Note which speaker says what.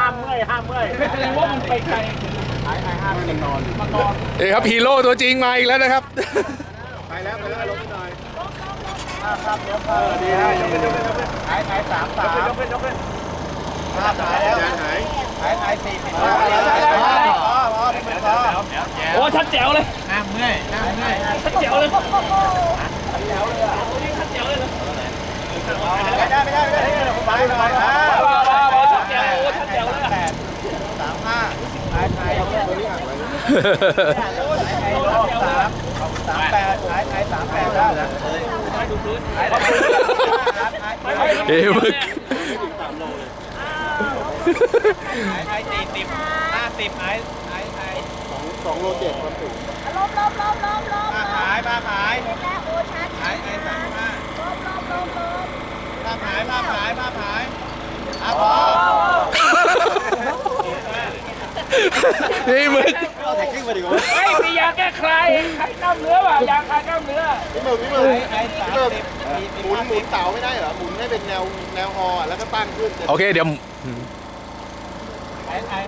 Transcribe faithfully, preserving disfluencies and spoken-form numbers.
Speaker 1: ห้ามเมื่อยห้ามเมื่อยไม่แสดงว่ามันไปไกลไอ้ไอ้ห้ามมันนอนมันนอน
Speaker 2: เอ้ครับฮีโร่ตัวจริงมาอีกแล้วนะครับ
Speaker 1: ไปแล้วไปแล้วลงไปหน่อยครับครับยกเออดีให้ยกขึ้นยกขึ้นยกขึ้นหายหายสามสามยกขึ้นยกขึ้นหายหายแล้วหายหายหายหายสี่สิบพอพอพอพอโอ้ชัดแจ๋วเลยน้ำเมื่อยน้ำเมื่อยชัดแจ๋วเลยชัดแจ๋วเลยอ่ะชัดแจ๋วเลยไม่ได้ไม่ได้ไม่ได้ไปไปไปชัดแจ๋วชัดแจ๋วเลยแปดสามห้าหายหายตัวนี้หักเลยหายสามสามแปดหายหายสามแปดแล้วหายดูพื้นหาย
Speaker 2: เอ้มึก
Speaker 1: หายหายสี่สิบห้าสิบหายหายหายสองสองโลเจ็ดความสูง
Speaker 3: ลบลบลบลบลบ
Speaker 1: มาหายมาหาย
Speaker 3: แล้วโอ้ชัด
Speaker 1: หายหายสามห้า
Speaker 3: ลบลบลบลบ
Speaker 1: มาหายมาหายมาหายอ่ะพอ
Speaker 2: นี่มึก
Speaker 1: เอาแท็กซี่มาดิวะ
Speaker 4: ไอ้มียาแก้คลายคลายกล้ามเนื้อป่ะยาคลายกล้ามเนื้อ
Speaker 1: พี่มึงพี่มึงพี่มึงหมุนหมุนเสาไม่ได้เหรอหมุนให้เป็นแนวแนวฮอแล้วก็ตั้งขึ้น
Speaker 2: โอเคเดี๋ยว